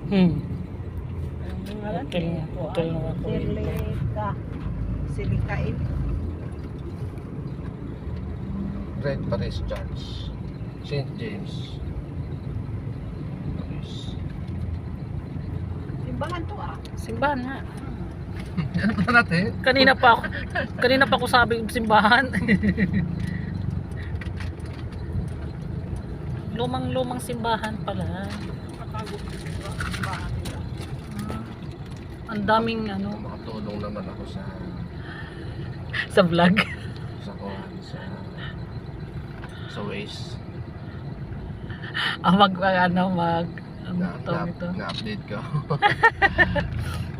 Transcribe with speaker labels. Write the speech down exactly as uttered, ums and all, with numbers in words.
Speaker 1: Hmm.
Speaker 2: Ang ngalan
Speaker 1: Hotel,
Speaker 2: eh,
Speaker 1: hotel na ako.
Speaker 2: Silika. Silikain.
Speaker 3: Great Paris Church, Saint James. Paris.
Speaker 2: Simbahan to ah.
Speaker 1: Simbahan nga.
Speaker 3: Ano pa natin?
Speaker 1: Kanina pa ako, kanina pa ako sabi simbahan. Lumang-lumang simbahan pala.
Speaker 2: Nakagod sa simbahan nila.
Speaker 1: Ang daming ano
Speaker 3: Makatulong naman ako sa
Speaker 1: sa vlog.
Speaker 3: sa kuhan, sa sa Waze.
Speaker 1: Ah, mag ano mag
Speaker 3: Na,
Speaker 1: ano to
Speaker 3: na,
Speaker 1: ito.
Speaker 3: na-update ko.